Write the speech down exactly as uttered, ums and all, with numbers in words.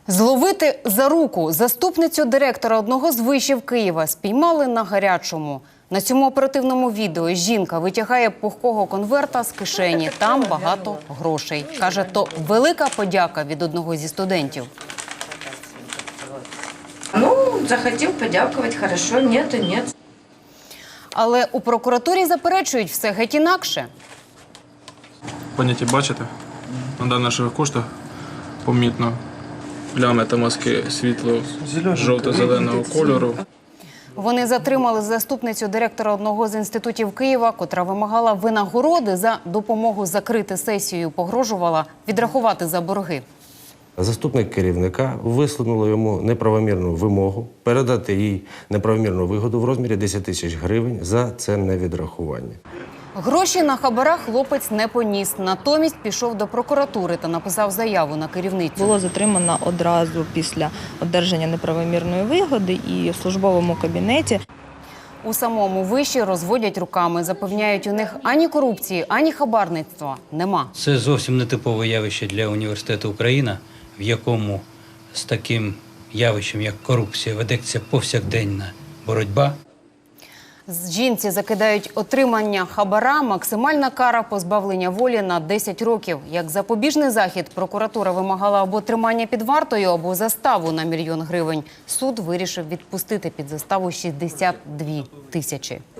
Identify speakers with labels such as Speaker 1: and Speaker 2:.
Speaker 1: Зловити за руку заступницю директора одного з вишів Києва спіймали на гарячому. На цьому оперативному відео жінка витягає пухкого конверта з кишені. Там багато грошей. Каже, то велика подяка від одного зі студентів.
Speaker 2: Ну, захотів подякувати, хорошо, ні, то ні.
Speaker 1: Але у прокуратурі заперечують все геть інакше.
Speaker 3: Поняття бачите? На даних коштах помітно плями та маски світло жовто-зеленого кольору.
Speaker 1: Вони затримали заступницю директора одного з інститутів Києва, котра вимагала винагороди за допомогу закрити сесію, погрожувала відрахувати за борги.
Speaker 4: Заступник керівника висунула йому неправомірну вимогу передати їй неправомірну вигоду в розмірі десять тисяч гривень за це невідрахування.
Speaker 1: Гроші на хабарах хлопець не поніс. Натомість пішов до прокуратури та написав заяву на керівницю.
Speaker 5: Було затримано одразу після одержання неправомірної вигоди і в службовому кабінеті.
Speaker 1: У самому виші розводять руками. Запевняють, у них ані корупції, ані хабарництва нема.
Speaker 6: Це зовсім не типове явище для університету «Україна», в якому з таким явищем, як корупція, ведеться повсякденна боротьба.
Speaker 1: З жінці закидають отримання хабара, максимальна кара позбавлення волі на десять років. Як запобіжний захід, прокуратура вимагала або тримання під вартою, або заставу на мільйон гривень. Суд вирішив відпустити під заставу шістдесят дві тисячі.